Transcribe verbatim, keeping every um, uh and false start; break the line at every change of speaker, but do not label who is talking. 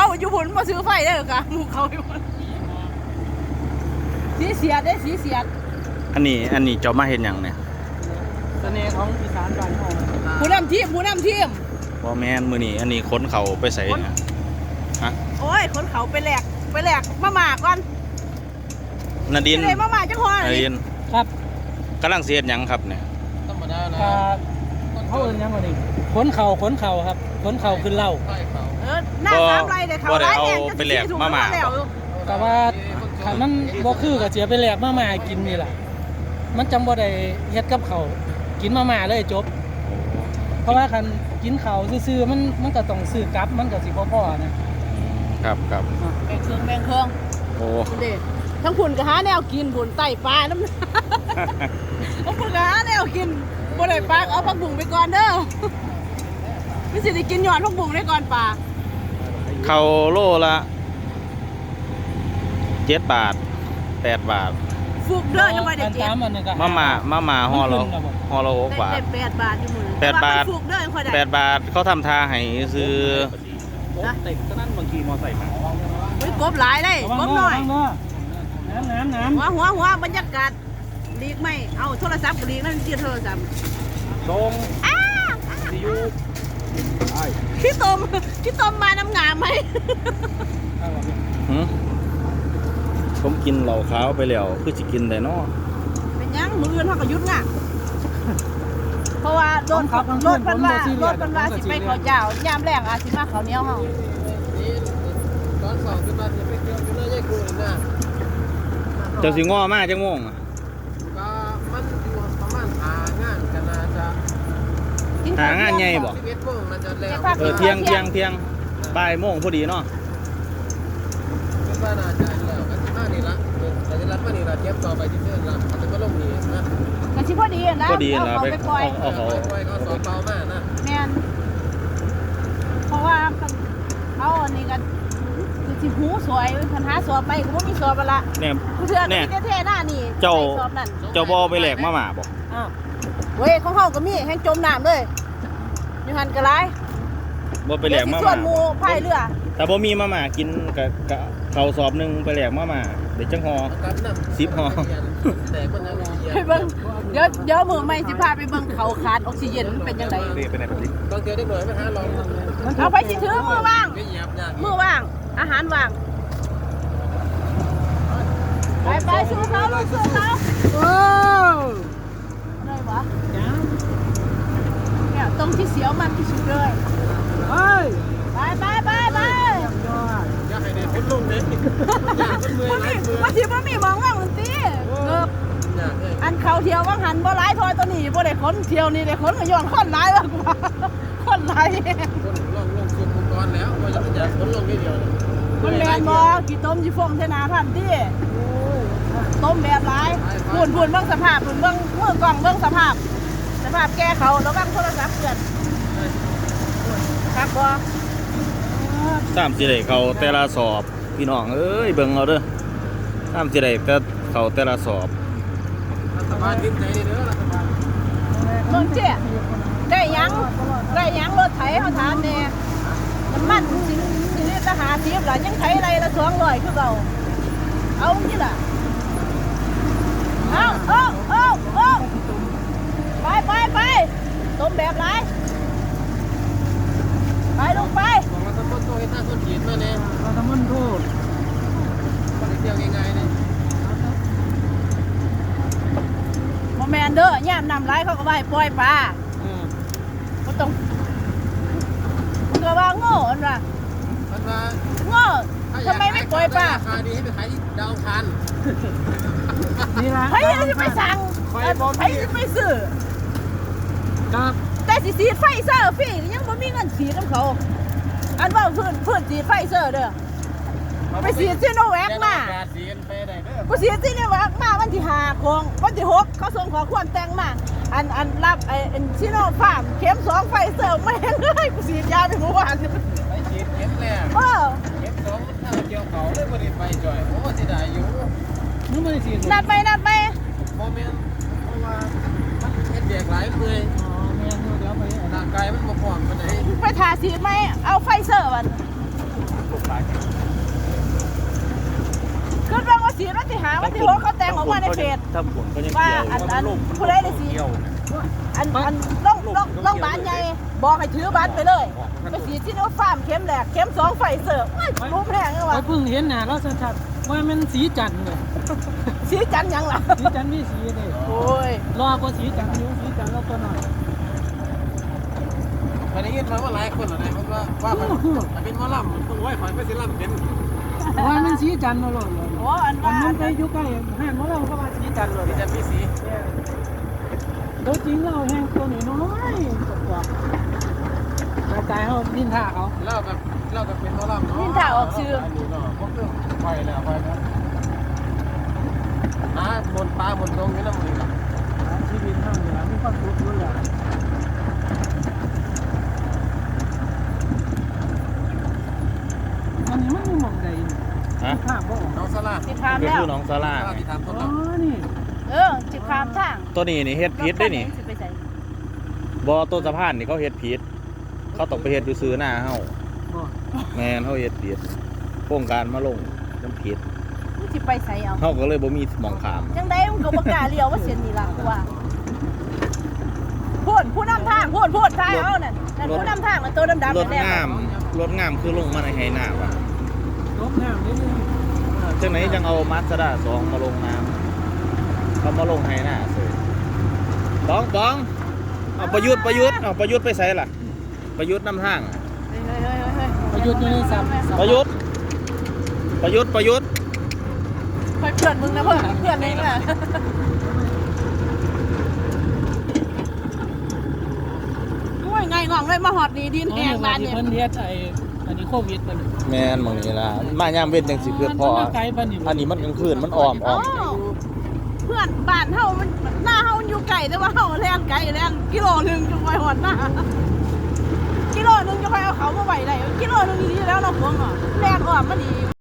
อยู่พุ่นมาซื้อไฟได้หรอคะหมู่เขาอยู่พุ่นสีเสียดได้สีเสียด
อันนี้อันนี้เจ้ามาเห็นอย่างเนี่ย
เสน่ห์ของอีสานบ้านเฮา
ผู้นำทีมผู้นำทีม
บ่แม่นมื้อนี้อันนี้ค้นเขาไปใส่เนี่ยฮะ
โอ้ยคนเขาไปแหลกไปแหลกมาหมาก่อน
นาดิน
เลยมาหมาจังหวะ
นาดิน
ครับ
กำลังเสียดหยังครับเนี่ย
ธรรมดานะเขาเอิ้นหยังว่านี่ขนเข่าขนเข่าครับขนเข่าขึ้นเหล้า
เออหน้าสามไรเด้เขาร้ายแรงจะสิถูกมาแล้ว
แต่ว่าถ้ามันบ่คือก็เสียไปแหลกมาม่ากินนี่ล่ะมันจังบ่ได้เฮ็ดกับเขากินมาม่าเลยจบเพราะว่าคันกินข้าวซื่อๆมันมันก็ต้องซื้อกลับมันก็สิบ่พอนะครับ
ครับ
แบ่งเครื่องแบ่งเครื่อง
โอ้
เด็ดทั้งผุ่นก็หาแนวกินผุ่นไต่ปลาน้ำทั้งผุ่นก็หาแนวกินบ่ได้ปลาเอาผักบุ้งไปก่อนเด้อไม่สิได้กินหยอดผักบุ้งได้ก่อนปลา
เขาโลละเจ็ดบาทแปดบาท
ฟุกเด้อยังไม่ได้เจ็ด
มาม่ามาม่าห่อละห่อละหกบาท
แปดบาทอยู่มื้อ
แปดบาท
ฟุกเด้อยังค่อยได้
แปดบาทเขาทำทาให้ซื้อ
นะเต็กก็นั่นบางทีมอไซค์มา
เฮ้ยกบหลายเลยกบหน่อย
น้ำน้ำน้ำ
หัวหัวหัวบรรยากาศดีไหมเอาโทรศัพท์ก็ดีนั่นเสียโทรศัพท์
ตรงซียู
ขี้ตมขี้ตมมาน้ำงามไหม
ผมกินเหล่าขาวไปแล้วคือจะกินได้เนาะ
เป็นยังมืออื่นเขาก็ยุดง่ะเพราะว่าโดนโดนพันว่าโดนพันว่าสิไปเขาเจ้ายามแรงอาสิมาเขาเนี้ยเฮา
ตอนสองขึ้นมาจะไปเที่ยวอยู่เลยยายกูนี่นะ
เจ้าสิง้อมาจังม่วงอ่ะ
ก็มันอยู่ประมาณหางานกันน่าจะ
หางานใหญ่บ่เออเที่ยงเที่ยงเที่ยงบ่ายโมงพอดีเนาะ
คิดว่าน่าจะแล้วกันที่มานี่ละแต่ที่รัฐมานี่ละเทียบต่อไปที่เพื่อนละเขาจะมาลงนี่นะ
กันชิพอดีนะ
พอดีนะ
ไปปล่อย
เอาเขาปล่อยเขาสอบเบามากนะ
แม่นเพราะว่าเขาอันนี้กันสิหูสวยปัญหาสอบไปก็บ่มีสอบละ
เนี่ย
เพื่อนนี่แท้ๆหน้านี่
เจ้าเจ้าบ่ไปแหลกมาหมาบ่
อ้าวเว้ยของเฮาก็มีแห้งจมน้ำเลยอยู่หันก็หลาย
บ่ไปแหลกมาหมา
ส่วนหมู่พายเรือ
แต่บ่มีมาหมากินก็ก็เข้าสอบนึงไปแหลกมาหมาได้จังห่อสิบห่อ
ไปเบิ่งเดี๋ยวเดี๋ยวมื้อใหม่สิพาไปเบิ่งเขาขาดออกซิเจนมันเป็นจังได๋
ไปไหนแบบนี้
ต้องเจอได้หน่อยมั้ยฮะลอง
เอาไปสิถือมือว่างมือว่างอาหารว่างไปไปสู้เขาลูกสู้เขาโอ้ได้ปะเนี่ยตรงที่เสียวมันที่สุดเลยไปไปไปไปไป
อยากให้ได้พ้นลงเลย
มาทีมันมีมองว่ามันตีเกือบอันเขาเที่ยวว่างหันบ่ร้ายทอยตัวนี้บ่ได้ขนเที่ยวนี่ได้ขนก็ย้อนคนร้ายแล้วกว่าคนร้าย
คนลงลงสุดอุปกรณ์แล้วว่าจะจะขนลงนิดเดียว
มันแมนบ่กี่ต้มจีฟงเทนาพันตีต้มแบบร้ายปุ่นปุ่นเบื้องสภาพปุ่นเบื้องมือกล่องเบื้องสภาพสภาพแก้เขาแล้วบ้างโทรศัพท์เกินครับบ่
สามสิได้เขาแต่ละสอบพี่น้องเอ้ยเบิ่งเอาเด้อสามสิได้แต่เขาแต่ละสอบ
รัฐบาลยิ้มใจเด้อรัฐบาล
เมืองเจ๊ได้ยังได้ยังรถไถเขาถามแน่น้ำมันสิสิลิตรละห้าสิบล่ะยังไถไรละสองร้อยคือเก่าเอาที่ล่ะเอาเอาเอาเอาไปไปไปต้มแบบไรไปลงไป
บอกเราทำมันโตให้หน้าคนขีดมาเนี่ยเราทำมันโตก็ได้เที่ยวง่ายๆเนี่ย
โมแมนเด้อย่ามนำไรเขาก็ไปปล่อยปลาก็ต้องก็ว่าโง่อันว่าโง่ทำไมไม่ปล่อยปลา
ราคาดีให้ไปขายที่ดาวคัน
นี่ละเฮ้ยจะไปสั่งเฮ้ยจะไปซื้อแต่สีสีไฟเซอร์ฟรียังไม่มีเงินสีน้ำเขาอันว่าเพื่อนเพื่อนสีไฟเซอร์เด้อไปสีซีโนแวคมาไปสีซีโนแวคมาวันที่ห้าคงวันที่หกเขาส่งขอความแต่งมาอันอันรับไอ้ซีโนฟาร์มเข็มสองไฟเซอร์ไม่เลยกูสียาไปเมื่อวาน
ไปฉีดเข็มแรกเออเข็มสองถ้าเกี่ยวเขาเลยไม่ได้ไปจ่อยโอ้สิได้อยู่นึกไม่ได้ฉีด
นัดไปนัดไป
โมเมนต์เพราะว่ามันเฮ็ดเบียกหลายเลยร่างกายมันบ่พร้อมปานใด
ไปทาสีไหมเอาไฟเซอร์มันาวันที่หกเขาแต่งออกมาในเพจ
ถ้าผลก็ยัง
ว่า
เกี่ยว
อันอันผู้ใดได้สิอันอันล่องล่องล่องบ้านใหญ่บอกให้ถือบัตรไปเลยไปฉีดซิโนฟาร์มเข็มแรกเข็มสองไฟเซอร์รู้แพงเลยวะ
ไปเพิ่งเห็นหน้าเราชัดๆว่ามันสีจันทร์เลย
สีจันทร์ยังล่ะ
สีจันทร์มีสีเลย
โอ้ย
รอกว่าสีจันทร์นิ้วสีจันทร์เราตัวหน่อย
วันนี้มาว่าหลายคนอะไรเพราะว่าว่ามันเป็นมอลล่ำต้องไหวขอยไปสิล่ำเป็น
ว่ามันสีจันทร์มาหล่นเลย
โอ้อัน
อั
ว่าน
นั้นไปอยู่ใกล้ห้างของเราก็ว่าสีจันทร์เลย
ที่จะมีสี
ตัวจริงเราแห้งตัวน้อยๆกว่าๆแต่ใจเขาดินท่าเขา
เล่ากับเล่ากับเป็นมอลล่ำเนาะอันนี้เนาะพวกเครื่องไฟแล้วไฟแล้วหาบนปลาบนตรงนี้นะมึง
ชีวิตเท่านี้มีความสุขอยู่แล้วอันนี้มันมีหม่องใดนี่
ฮะ
ภาพบ่ออก
น้องสลา
จิบคาม
ก็
แล้ว
คือน้องซาร่า
ที่ทำต้น
อ๋อ
เรา
นี่
เออจิบคามทาง
ตัวนี้นี่เฮ็ดผิดได้นี่
สิไปใส่
บ่ต้นสะพานนี่เขาเฮ็ดผิดเขาต้องไปเฮ็ดอยู่ซื้อหน้าเฮา
บ่
แม่นเฮาเฮ็ดผิดโครงการมาลงมันผิด
มึงสิไปใส่เอา
เฮาก็เลยบ่มีหมองขาม
จังไดมึงก็บ่กล้าเลี้ยวว่าเส้นนี้ล่ะกูว่าพูดผู้นำทางพูดพูดทายเอานั่นนั่นผู้นำทางมันตัวดำๆ
รถ
แดง
งามรถงามคือลงมาในไหน้าว่ะ
ลบน้ำนิดนึง
จังไหนจังเอามาสด้าสองมาลงน้ำเขามาลงไหน้าเสยปองปองเอาประยุทธ์ประยุทธ์เอาประยุทธ์ไปใส่ล่ะประยุทธ์นำทาง
เฮ้ยเฮ้ยเฮ้ยเฮ้ย
ประยุทธ์อยู่ในสับ
ประยุทธ์ประยุทธ์ประยุทธ์
เฮ้ยเพื่อนมึงนะเพื่อนเพื่อนเองน่ะโอ้ยไงงองเลยมาหอดนี่ดิน
อ๋อ
แห้ง
นี่
บ้า
ว่าน ที่
เนี่ย
เพิ่นเฮ็ดไอ้อันนี้โควิดมัน
แม่นหมองนี้ล่ะมายามเว้นจังสิเพื่อพอ
มันมาไกลปานนี้
อันนี้มันกลางคืนมันอ้อมอ้
อ๋
อ
อ
ม
เพื่อนบ้านเฮามันหน้าเฮามันอยู่ไกลแต่ว่าเฮาแล่นไกลแล่นกิโลหนึงจะไปหอดหน้ากิโลหนึงจะไปเอาเขามาไว้ได้กิโลหนึงดีแล้วเราะพวงอ่ะแล่นอ้อมมันดี